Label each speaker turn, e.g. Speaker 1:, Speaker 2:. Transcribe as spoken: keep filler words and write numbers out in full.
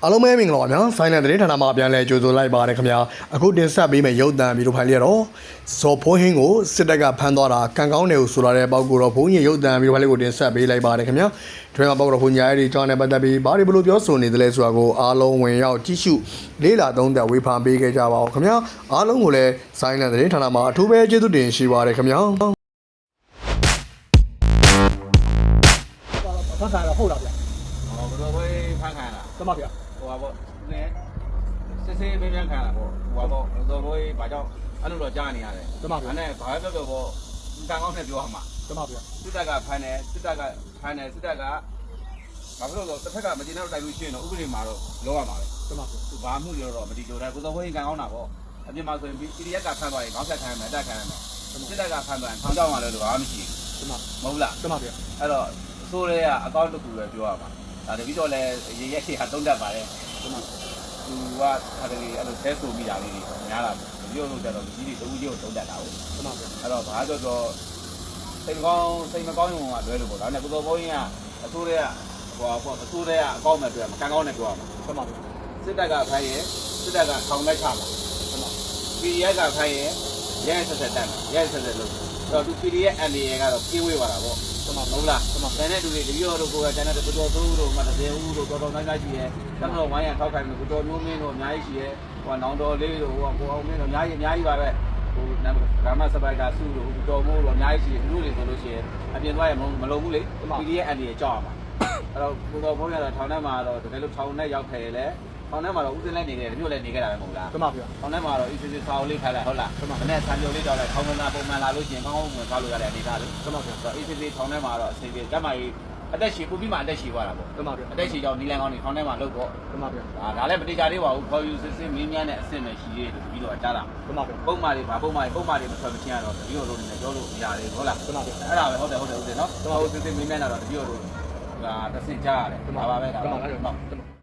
Speaker 1: အားလုံးပဲမင်္ဂလာပါဗျာဆိုင်းတဲ့သတင်းဌာနမှာပြန်လဲကြိုဆိုလိုက်ပါရခင်ဗျာအခုတင်ဆက်ပေးမယ့်ရုပ်သံဗီဒီယိုဖိုင်လေးကတော့ဇော်ဖိုးဟင်းကိုစစ်တပ်ကဖမ်းသွားတာကံကောင်းတယ်လို့ဆိုလာတဲ့ပေါက်ကိုတော့ဘုန်းကြီးရုပ်သံဗီဒီယိုဖိုင်လေးကိုတင်ဆက်ပေးလိုက်ပါရခင်ဗျာဒီမှာပေါက်တော့ဘုန်းကြီးအဲ့ဒီကြောင်းနဲ့ပတ်သက်ပြီးဘာတွေဘလို့ပြောဆိုနေသလဲဆိုတာကိုအားလုံးဝင်ရောက်ကြည့်ရှုလေးလာသုံးသက်ဝေဖန်ပေးခဲ့ကြပါဦးခင်ဗျာအားလုံးကိုလည်းဆိုင်းတဲ့သတင်းဌာနမှာအထူးပဲကျေးဇူးတင်ရှိပါရခင်ဗျာ
Speaker 2: ဖန်ခါရဟုတ်လားဗျာ
Speaker 3: ဟောဘယ်လိုပဲဖန်ခါလား
Speaker 2: တမဗျာ
Speaker 3: ဟိုပါပေါ့နည်းစစ်စစ်ပဲပြန်ခံလာပေါ့ဟိုပါပေါ့ဘယ်လိုပဲဘာကြောင့်အဲ့လိုတော့ကြားနေရတယ်
Speaker 2: တမဗျာ
Speaker 3: အဲ့နဲ့ဘာပဲပြောပေါ့ကံကောင်းနဲ့ပြောရမှာ
Speaker 2: တမဗျာ
Speaker 3: စစ်တပ်ကဖမ်းတယ်စစ်တပ်ကဖမ်းတယ်စစ်တပ်ကဘာဖြစ်လို့လဲတစ်ဖက်ကမကျေနပ်တိုက်လို့ရှိရင်တော့ဥပဒေမှာတော့လောရမှာပဲ
Speaker 2: တမဗျာ
Speaker 3: သူဘာမှုရောတော့မတီးကြတယ်ကိုစောဘင်းကံကောင်းတာပေါ့အပြင်မှာဆိုရင် ပီ ဒီ အက်ဖ် ကဖမ်းသွားရင်ခေါင်းဆက်ခံရမယ်တက်ခံရမယ်စစ်တပ်ကဖမ်းသွားရင်ထောင်ချောက်မှာလည်းဘာမှမရှိ
Speaker 2: ဘူးတမ
Speaker 3: မဟုတ်လား
Speaker 2: တမဗျာ
Speaker 3: အဲ့တော့အစိုးရကအကောင့်တစ်ခုပဲပြောရမှာဒါတပည့်တော့လည်းရေရက်ရှိဟာတုံးတတ်ပါတယ်သူကဟာတကယ်အဲ့လိုဆဲဆိုမိတာလေးတွေများလာတယ်တပည့်တို့ကြတော့ကြီးတွေတူကြီးကိုတုံးတတ်တာဟုတ်
Speaker 2: တမဗျာ
Speaker 3: အဲ့တော့ဘာကြောတော့စိတ်ကောင်းစိတ်မကောင်းရုံကလွဲလို့ပေါ့ဒါနဲ့ကိုစောဘုန်းကြီးကအစိုးရကဟိုပေါ့အစိုးရကအကောင့်မဲ့ပြောမှာကံကောင်းနဲ့ပြောရမှာ
Speaker 2: တမဗျာ
Speaker 3: စစ်တပ်ကဖိုင်းရင်စစ်တပ်ကထောင်လိုက်ချမှာ
Speaker 2: တမ
Speaker 3: ပီ ဒီ အက်ဖ် ကဖိုင်းရင်ရဲဆက်ဆက်တက်ရဲဆက်ဆက်လုပ်တော့သူ ပီ ဒီ အက်ဖ် အန် ဒီ အေ ကတော့ပြေးဝေးသွားတာပေါ့
Speaker 2: တမ
Speaker 3: ဟုတ်လားတမတန်တဲ့လူတွေတပည့်တော်တို့ကတန်တဲ့တော်တော်သူတို့မှတည်းဦးတို့တော်တော်များများရှိရဲတမတော်ဝိုင်းရထောက်ခိုင်းလို့တော်မျိုးမင်းတို့အများကြီးရှိရဲဟိုနောင်တော်လေးတို့ဟိုကိုအောင်မင်းတို့အများကြီးအများကြီးပါပဲဟိုဂရမစပိုက်တာစုတို့တော်မိုးတို့အများကြီးရှိတယ်သူတို့တွေဆိုလို့ရှိရင်အပြင်သွားရမလုံးဘူးလေ ပီ ဒီ အက်ဖ် အန် ဒီ အေ ကြောက်ရမှာအဲ့တော့ကိုတော်ဘုန်းရတော့ထောင်ထဲမှာတော့တကယ်လို့ထောင်ထဲရောက်ခဲ့ရလေထောင်ထဲမှာတော့ဦးစင်းလိုက်နေတယ်တမျိုးလည်းနေခဲ့တာပဲမဟုတ်လား
Speaker 2: တမဗျာ
Speaker 3: ထောင်ထဲမှာတော့ အီ စီ စီ ဆောင်းလေးခိုင်းလိုက်ဟုတ်လားမနေ့ဆံပြုံလေးတော့လည်းထောင်ဝင်လာပုံမှန်လာလို့ရှိရင်ကောင်းကောင်းဝင်သွားလို့ရတဲ့အနေအထားလေ
Speaker 2: တမဗျာ
Speaker 3: ဆိုတော့ အီ စီ စီ ထောင်ထဲမှာတော့အစီအပြေကျမကြီးအသက်ရှည်ပူပြီးမှအသက်ရှည်သွားတာပေါ့
Speaker 2: တမဗျာ
Speaker 3: အသက်ရှည်ကြောင့်နီလန်ကောင်းနေထောင်ထဲမှာလုတ်တော့
Speaker 2: တမဗျာ
Speaker 3: ဒါဒါလည်းမတိကျသေးပါဘူးခေါ်ယူစစ်စစ်မင်းများနဲ့အဆင့်နဲ့ရှိသေးတယ်ပြီးတော့ကြားလာ
Speaker 2: တမဗျာ
Speaker 3: ပုံမှန်တွေဘာပုံမှန်ပုံမှန်တွေမထွက်မချင်းရတော့ပြီးတော့လို့နေပြောလို့မရသေးဘူးဟုတ်လား
Speaker 2: တမဗျာ
Speaker 3: အဲ့ဒါပဲဟုတ်တယ်ဟုတ်တယ်ဟုတ်တယ်နော်ဟိုစစ်စစ်မင်းများတော့တပြီးတော့လို့ဒါတစ်ဆင့်ကြားရတယ်ဒါပါပဲဒါပါဟုတ်